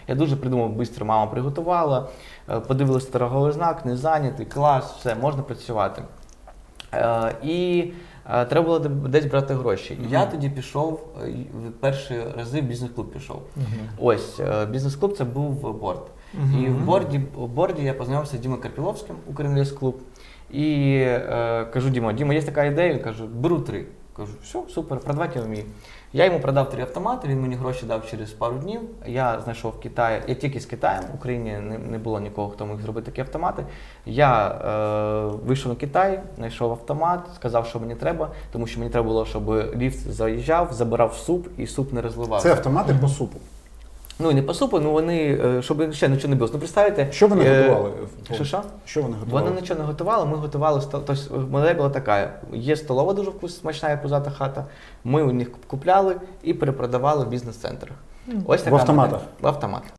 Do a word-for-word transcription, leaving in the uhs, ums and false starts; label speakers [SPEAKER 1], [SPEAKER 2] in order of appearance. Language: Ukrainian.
[SPEAKER 1] Я дуже придумав, швидко мама приготувала, е, подивилися торговий знак, не зайнятий, клас, все, можна працювати. Е, І е, треба було десь брати гроші.
[SPEAKER 2] Мгм.
[SPEAKER 1] Я тоді пішов, е, в перші рази в бізнес-клуб пішов.
[SPEAKER 3] Мгм.
[SPEAKER 1] Ось, е, бізнес-клуб це був борд. І в борді, в борді я познайомився з Дімою Карпіловським, Укрінвестклуб. І е, кажу, Діма, Діма, є така ідея, він каже, беру три. Кажу, все, супер, продавати я вмію. Я йому продав три автомати, він мені гроші дав через пару днів. Я знайшов в Китаї, я тільки з Китаєм, в Україні не, не було нікого, хто міг зробити такі автомати. Я е, вийшов на Китай, знайшов автомат, сказав, що мені треба, тому що мені треба було, щоб ліфт заїжджав, забирав суп і суп не розливався.
[SPEAKER 2] Це автомати по супу.
[SPEAKER 1] Ну і не по супу, ну вони, е, щоб ще нічого не було. Ну представте.
[SPEAKER 2] Що вони
[SPEAKER 1] е,
[SPEAKER 2] готували?
[SPEAKER 1] Що що?
[SPEAKER 2] Що вони готували?
[SPEAKER 1] Вони нічого не готували, ми готували, сто- тобто модель була така, є столова дуже вкус, смачна і пузата хата, ми у них купляли і перепродавали в бізнес-центрах. Ось така
[SPEAKER 2] В автоматах?
[SPEAKER 1] модель. В автоматах.